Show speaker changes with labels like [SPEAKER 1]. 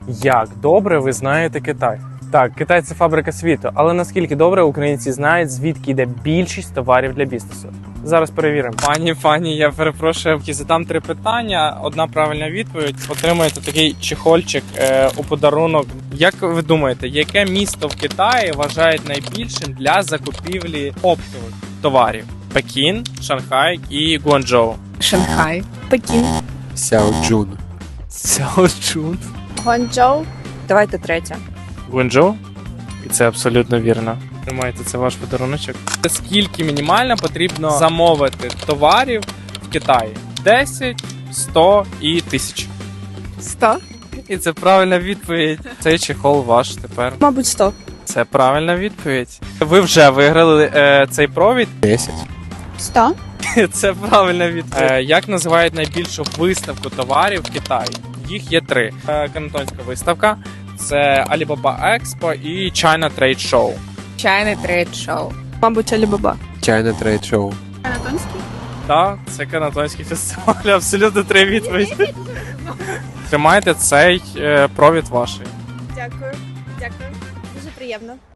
[SPEAKER 1] Як добре ви знаєте Китай? Так, Китай – це фабрика світу, але наскільки добре українці знають, звідки йде більшість товарів для бізнесу? Зараз перевіримо.
[SPEAKER 2] Пані, я перепрошую, задам 3 питання. Одна правильна відповідь. Отримаєте такий чехольчик у подарунок. Як ви думаєте, яке місто в Китаї вважають найбільшим для закупівлі оптових товарів? Пекін, Шанхай і Гуанчжоу.
[SPEAKER 3] Шанхай. Пекін.
[SPEAKER 4] Сяоджун.
[SPEAKER 2] Сяочун.
[SPEAKER 3] Гуанчжоу. Давайте третя.
[SPEAKER 2] Гуанчжоу? І це абсолютно вірно. Тримайте, це ваш подаруночок. Скільки мінімально потрібно замовити товарів в Китаї? 10, 100 і 1000.
[SPEAKER 3] 100.
[SPEAKER 2] І це правильна відповідь. Цей чехол ваш тепер.
[SPEAKER 3] Мабуть, 100.
[SPEAKER 2] Це правильна відповідь. Ви вже виграли цей провід.
[SPEAKER 4] 10.
[SPEAKER 3] 100.
[SPEAKER 2] Це правильна відповідь. Як називають найбільшу виставку товарів в Китаї? Їх є 3. Кантонська виставка, це Alibaba Expo і China Trade Show.
[SPEAKER 3] China Trade Show. Мабуть, Alibaba.
[SPEAKER 4] China Trade Show.
[SPEAKER 3] Канатонський?
[SPEAKER 2] Так, це канатонський фестиваль. Абсолютно 3 відповіді. Тримайте цей провід ваший.
[SPEAKER 5] Дякую. Дуже приємно.